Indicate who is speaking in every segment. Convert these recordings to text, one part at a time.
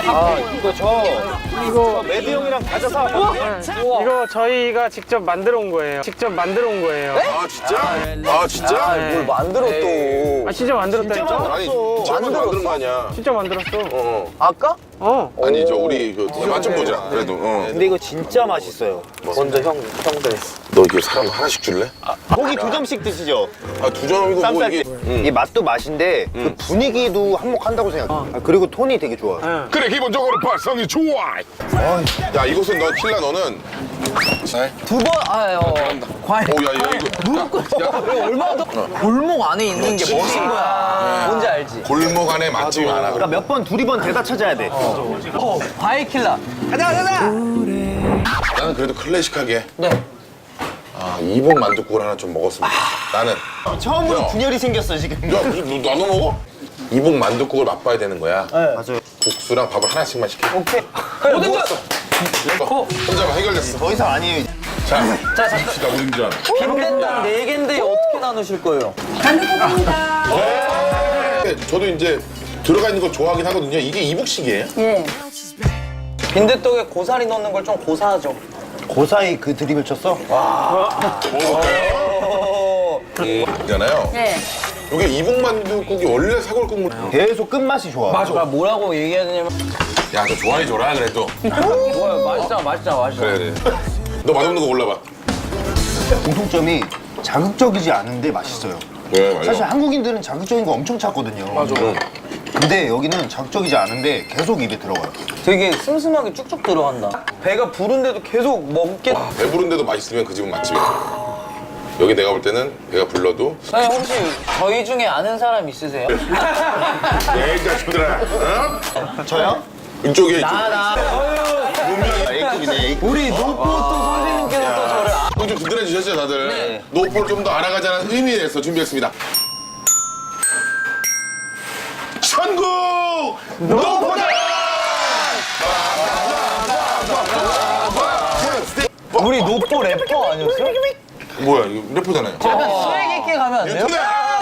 Speaker 1: 이거 매드 형이랑 과자 사왔거든요.
Speaker 2: 이거 저희가 직접 만들어 온 거예요.
Speaker 3: 아 진짜?
Speaker 1: 뭘 만들어 또.
Speaker 2: 아 진짜 만들었다니까?
Speaker 3: 아니 진짜 만든 거 아니야.
Speaker 2: 진짜 만들었어.
Speaker 1: 아까?
Speaker 3: 아니 저 우리 맛 좀 보자. 그래도.
Speaker 1: 근데 이거 진짜 맛있어요. 먼저 형들.
Speaker 3: 너 이거 사람 하나씩 줄래?
Speaker 1: 고기 2점씩 드시죠?
Speaker 3: 아 2점이고 뭐
Speaker 1: 쌈쌀
Speaker 3: 이게.
Speaker 1: 때. 이 맛도 맛인데 그 분위기도 한몫한다고 생각해. 그리고 톤이 되게 좋아.
Speaker 3: 그래 기본적으로 발성이 좋아. 야 이곳은 너 킬라 너는.
Speaker 4: 두 번, 과일.
Speaker 3: 오야 이거.
Speaker 4: 얼마나 더 골목 안에 있는 게 멋인 거야. 뭔지 알지?
Speaker 3: 골목 안에 맛집이 많아.
Speaker 1: 그러니까 몇 번, 두리번 대다 찾아야 돼.
Speaker 4: 과일 킬러.
Speaker 3: 나는 그래도 클래식하게.
Speaker 4: 네.
Speaker 3: 아 이복 만둣국을 하나 좀 먹었으면 좋겠다. 나는.
Speaker 1: 처음으로
Speaker 3: 야.
Speaker 1: 분열이 생겼어, 지금.
Speaker 3: 야 나도 먹어? 이복 만둣국을 맛봐야 되는 거야.
Speaker 1: 맞아요.
Speaker 3: 국수랑 밥을 하나씩만 시켜.
Speaker 1: 오케이.
Speaker 4: 모든 거.
Speaker 3: 혼자만 해결됐어.
Speaker 1: 더 이상 아니에요.
Speaker 3: 자, 갑시다 우린 줄 알아.
Speaker 4: 빈대떡 4개인데 어떻게 나누실 거예요?
Speaker 3: 저도 이제 들어가 있는 거 좋아하긴 하거든요. 이게 이북식이에요?
Speaker 5: 예.
Speaker 4: 빈대떡에 고사리 넣는 걸 좀 고사하죠.
Speaker 1: 고사이 그 드립을 쳤어?
Speaker 3: 있잖아요.
Speaker 5: 예.
Speaker 3: 이게 이북만둣국이 원래 사골 국물.
Speaker 1: 계속 끝맛이 좋아.
Speaker 4: 그러니까 뭐라고 얘기해야 되냐면
Speaker 3: 야, 너 좋아해 줘라 그래도.
Speaker 4: 뭐야, 맛있잖아.
Speaker 3: 그래. 너 맛없는 거 골라봐.
Speaker 1: 공통점이 자극적이지 않은데 맛있어요.
Speaker 3: 왜 말이야?
Speaker 1: 사실 한국인들은 자극적인 거 엄청 찾거든요. 맞아. 근데 여기는 자극적이지 않은데 계속 입에 들어가요.
Speaker 4: 되게 슴슴하게 쭉쭉 들어간다. 배가 부른데도 계속 먹게.
Speaker 3: 배부른데도 맛있으면 그 집은 맛집이야. 여기 내가 볼 때는 배가 불러도.
Speaker 4: 사장님 혹시 저희 중에 아는 사람 있으세요?
Speaker 3: 이 자식들아. 어?
Speaker 1: 저요?
Speaker 3: 이쪽에 이쪽.
Speaker 1: A급이네, A급.
Speaker 4: 우리 노포 또 선생님께서 또 저를
Speaker 3: 좀 든든해지셨죠 다들?
Speaker 4: 네.
Speaker 3: 노포를 좀 더 알아가자는 의미에서 준비했습니다. 천국 노포다!
Speaker 4: 우리 노포 래퍼 아니었어요?
Speaker 3: 뭐야 이거 래퍼잖아요.
Speaker 4: 약간 스웩 있게 가면 안 돼요?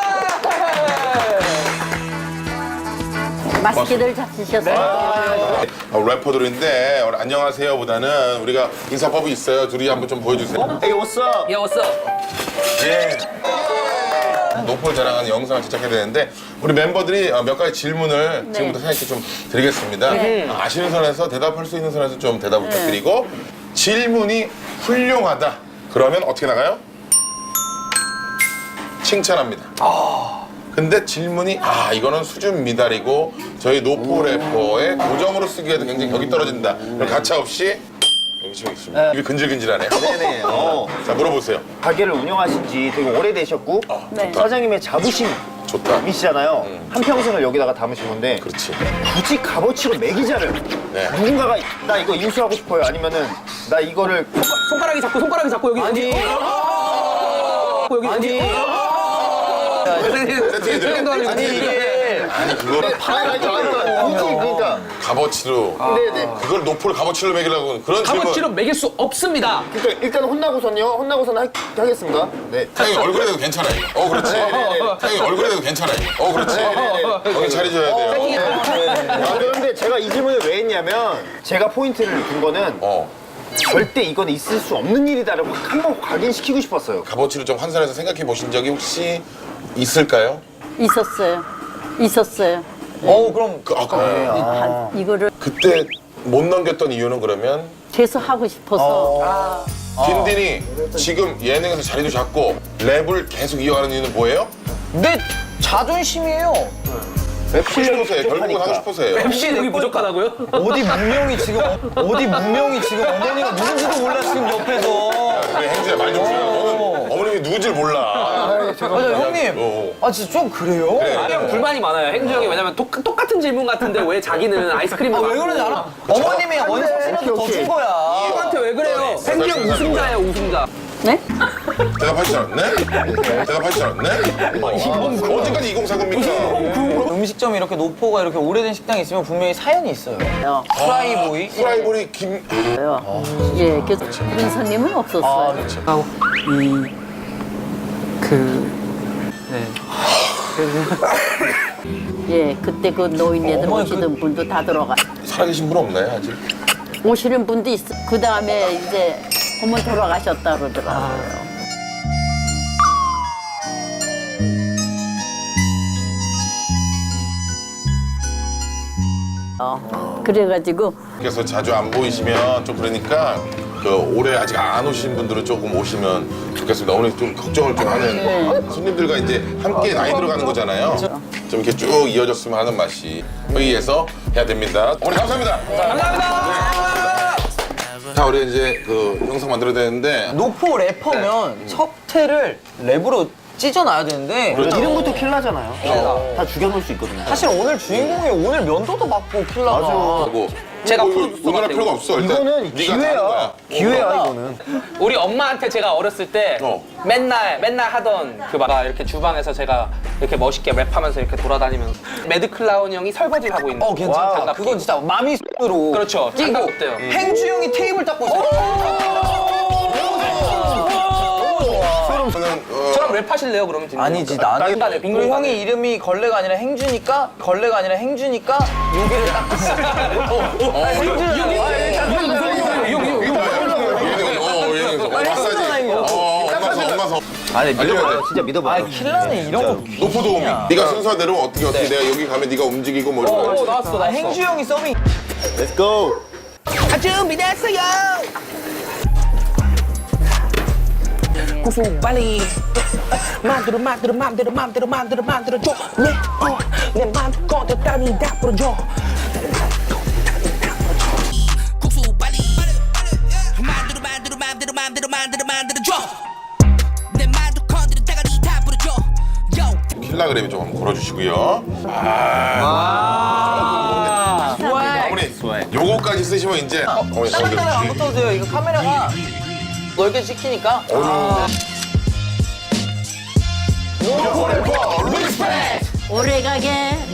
Speaker 5: 맛있게들 잡수셨어요.
Speaker 3: 래퍼들인데 안녕하세요보다는 우리가 인사법이 있어요. 둘이 한번 좀 보여주세요.
Speaker 1: Hey, what's up?
Speaker 4: 야, 왔어.
Speaker 3: 예. 노포를 자랑하는 영상을 제작해야 되는데 우리 멤버들이 몇 가지 질문을
Speaker 5: 네.
Speaker 3: 지금부터 사장님께 좀 드리겠습니다. 아시는 선에서 대답할 수 있는 선에서 좀 대답 부탁드리고 질문이 훌륭하다. 그러면 어떻게 나가요? 칭찬합니다. 근데 질문이 이거는 수준 미달이고 저희 노포 래퍼의 고정으로 쓰기에도 굉장히 격이 떨어진다. 그럼 가차없이 여기 지금 있습니다. 입이 근질근질하네요.
Speaker 1: 네네.
Speaker 3: 자 물어보세요.
Speaker 1: 가게를 운영하신 지 되게 오래되셨고
Speaker 5: 네.
Speaker 1: 사장님의 자부심이시잖아요.
Speaker 3: 좋다.
Speaker 1: 한평생을 여기다가 담으신 건데
Speaker 3: 그렇지.
Speaker 1: 굳이 값어치로 매기자를
Speaker 3: 네.
Speaker 1: 누군가가 나 이거 인수하고 싶어요 아니면은 나 이거를
Speaker 4: 손가락이 잡고 여기 아니. 여기 아니.
Speaker 3: 아니 그거를
Speaker 1: 그러니까
Speaker 3: 값어치로
Speaker 1: 네네
Speaker 3: 그걸 노포를 값어치로 매기려고 그런 질문.
Speaker 6: 값어치로 매길 수 없습니다.
Speaker 1: 그러니까 일단 혼나고서는 하겠습니다. 네.
Speaker 3: 사장님 얼굴에 대도 괜찮아요. 그렇지. 사장님 얼굴에 대도 괜찮아요. 그렇지. 정신 차려줘야 돼요.
Speaker 1: 그런데 제가 이 질문을 왜 했냐면 제가 포인트를 둔 거는 절대 이건 있을 수 없는 일이다라고 한번 각인시키고 싶었어요.
Speaker 3: 값어치를 좀 환산해서 생각해 보신 적이 혹시 있을까요?
Speaker 5: 있었어요.
Speaker 4: 그럼
Speaker 5: 이거를
Speaker 3: 그때 못 넘겼던 이유는 그러면
Speaker 5: 계속 하고 싶어서.
Speaker 3: 딘딘이 지금 예능에서 자리도 잡고 랩을 계속 이어가는 이유는 뭐예요?
Speaker 4: 내 자존심이에요.
Speaker 3: 하고 싶어서요. 결국은 하고 싶어서요.
Speaker 6: MC 능이 부족하다고요?
Speaker 4: 어디 문명이 지금 어머니가 누군지도 몰라 지금 옆에서.
Speaker 3: 그래 행주야 말 좀 줄여. 너는 어머님이 누군지를 몰라.
Speaker 4: 맞아 형님. 진짜 좀 그래요?
Speaker 6: 형 불만이 많아요. 행주 형이 왜냐면 똑같은 질문 같은데 왜 자기는 아이스크림을
Speaker 4: 왜 그러는지 알아? 어머님이 원샷이라도 더 준 거야.
Speaker 6: 형한테 왜 그래요? 행주 형 우승자예요, 우승자.
Speaker 5: 네?
Speaker 3: 대답하지 않았네? 대답하지 않았네? 언제까지 2040입니까?
Speaker 4: 음식점이 이렇게 노포가 이렇게 오래된 식당이 있으면 분명히 사연이 있어요. 프라이보이.
Speaker 3: 프라이볼이 김...
Speaker 5: 예, 그래서 그런 손님은 없었어요. 예, 그때 그 노인네들 오시던 분도 다 들어가.
Speaker 3: 살아계신 분 없나요 아직?
Speaker 5: 오시는 분도 있어. 그 다음에 이제 어머니 돌아가셨다 그러더라고요. 그래가지고
Speaker 3: 그래서 자주 안 보이시면 좀 그러니까 그 올해 아직 안 오신 분들은 조금 오시면 좋겠습니다. 오늘 좀 걱정을 좀 하는 손님들과 이제 함께 나이 들어가는 거잖아요. 좀 이렇게 쭉 이어졌으면 하는 맛이 회의에서 해야 됩니다. 오늘 감사합니다. 감사합니다. 자, 우리 이제 그 영상 만들어야 되는데
Speaker 4: 노포 래퍼면 첫 회를 랩으로 찢어놔야 되는데
Speaker 1: 이름부터 킬라잖아요. 다 죽여놓을 수 있거든요.
Speaker 4: 사실 오늘 주인공이 오늘 면도도 받고 킬러가
Speaker 3: 하고
Speaker 6: 제가
Speaker 3: 뭐
Speaker 6: 프로듀서
Speaker 3: 의논할
Speaker 6: 같아요.
Speaker 3: 필요가 없어. 일단
Speaker 1: 이거는
Speaker 3: 네가
Speaker 1: 기회야.
Speaker 3: 다 하는 거야.
Speaker 1: 기회야 이거는.
Speaker 6: 우리 엄마한테 제가 어렸을 때
Speaker 3: 어.
Speaker 6: 맨날 하던 그 막 이렇게 주방에서 제가 이렇게 멋있게 랩하면서 이렇게 돌아다니면서 매드 클라운 형이 설거지를 하고 있는.
Speaker 4: 괜찮다.
Speaker 6: 장갑
Speaker 4: 그건 진짜 마미으로
Speaker 6: 그렇죠. 장갑 때요.
Speaker 4: 행주 형이 테이블 닦고 있어.
Speaker 3: 저는
Speaker 6: 저랑 랩하실래요 그러면?
Speaker 4: 아니지
Speaker 6: 나는
Speaker 4: 나는 그리고 형이 이름이 걸레가 아니라 행주니까 유기를 닦고 있어.
Speaker 3: 마사지. 엄마서.
Speaker 1: 아니
Speaker 3: 알려야 돼.
Speaker 1: 진짜 믿어봐.
Speaker 4: 킬러는 이런 거
Speaker 3: 노포 도우미. 네가 순서대로 어떻게 내가 여기 가면 네가 움직이고 뭐 이런 거.
Speaker 6: 나왔어.
Speaker 4: 나 행주 형이 서빙.
Speaker 1: Let's go.
Speaker 6: 준비됐어요. 고수 빨리 만들어 줘. 내 맘 거들 따니 다 풀어줘.
Speaker 7: 국수 빨리 만들어 줘. 내 만두 건드려 대가리 다 부러져. Yo.
Speaker 3: 킬라그램 좀 한번 걸어주시고요. 어머니, 요거까지 쓰시면 이제 어머니
Speaker 4: 카메라가 안 붙어도 돼요. 이거 카메라가 넓게 찍히니까.
Speaker 5: 오래가게